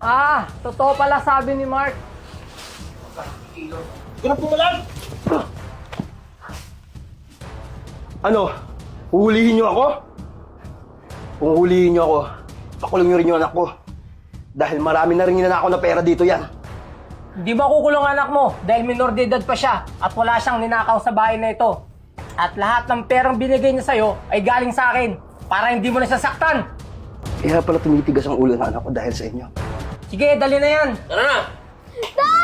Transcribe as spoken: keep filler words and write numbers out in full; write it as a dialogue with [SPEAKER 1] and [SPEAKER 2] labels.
[SPEAKER 1] Ah, totoo pala sabi ni Mark.
[SPEAKER 2] Ganap mo lang! Ano? Huhulihin niyo ako? Kung huhulihin niyo ako, pakulong niyo rin yung anak ko. Dahil marami na rin ninanakaw na pera dito yan.
[SPEAKER 1] Hindi makukulong anak mo dahil minor de edad pa siya at wala siyang ninakaw sa bahay na ito. At lahat ng perang binigay niya sa'yo ay galing sa akin para hindi mo na sasaktan.
[SPEAKER 2] Kaya pala tumitigas ang ulo ng anak ko dahil sa inyo.
[SPEAKER 1] Sige, dali na yan.
[SPEAKER 3] Tara na!
[SPEAKER 4] Tay!